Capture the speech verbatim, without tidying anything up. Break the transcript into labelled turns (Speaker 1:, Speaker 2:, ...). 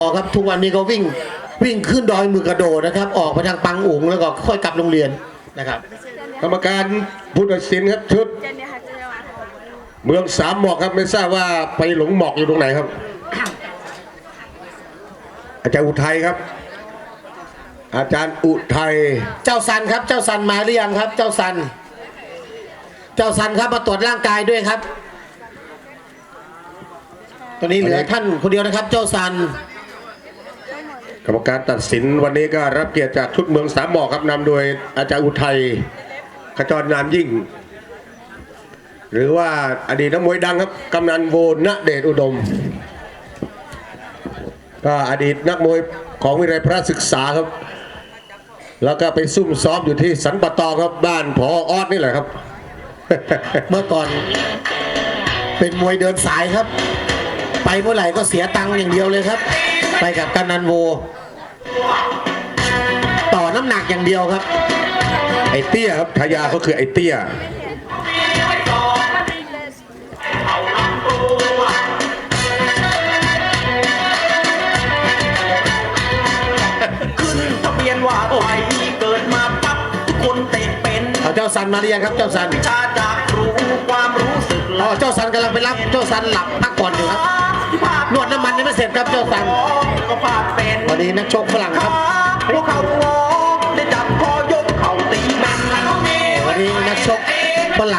Speaker 1: ครับทุกวันนี้ก็วิ่งวิ่งขึ้นดอยมือกระโดดนะครับออกไปทางปังอุ๋งแล้วก็ค่อยกลับโรงเรียนนะครับ
Speaker 2: กรรมการผู้ตัดสินครับชุดเมืองสามหมอกครับไม่ทราบว่าไปหลงหมอกอยู่ตรงไหนครับ อาจารย์อุทัยครับ อาจารย์อุทัย
Speaker 1: เจ้าซันครับเจ้าซันมาหรือยังครับ เจ้าซันเจ้าซันครับมาตรวจร่างกายด้วยครับตอนนี้เหลือท่านคนเดียวนะครับเจ้าซัน
Speaker 2: กรรมการตัดสินวันนี้ก็รับเกียรติจากชุดเมืองสามหมอกครับนำโดยอาจารย์อุทัยขจรนามยิ่งหรือว่าอดีตนักมวยดังครับกำนันโวณเดชอุดมก็อดีตนักมวยของวิทยาลัยพระศึกษาครับแล้วก็ไปซุ่มซ้อมอยู่ที่สันปะตองครับบ้านพอออดนี่แหละครับ
Speaker 1: เมื่อก่อนเป็นมวยเดินสายครับไปเมื่อไหร่ก็เสียตังค์อย่างเดียวเลยครับไปกับกำนันโวต่อน้ำหนักอย่างเดียวครับ
Speaker 2: ไอเตี้ยครับทายาเขาคือไอเตี้ย
Speaker 3: ขึ้นทะเบียนว่าไทยเกิดมาปั๊บทุกคนเตะเป็น
Speaker 1: เอาเจ้าซันมาหรือยังครับเจ้าซัน
Speaker 3: ชาจากรู้ความรู้สึก
Speaker 1: อ๋อเจ้าซันกำลังไปรับเจ้าซันหลับพักผ่อนอยู่ครับนวดน้ำมันยังไม่เสร็จครับเจ้าซัน
Speaker 3: ก็พาเป็น
Speaker 1: วันนี้นักชกฝรั่งครับ
Speaker 3: พวกเขา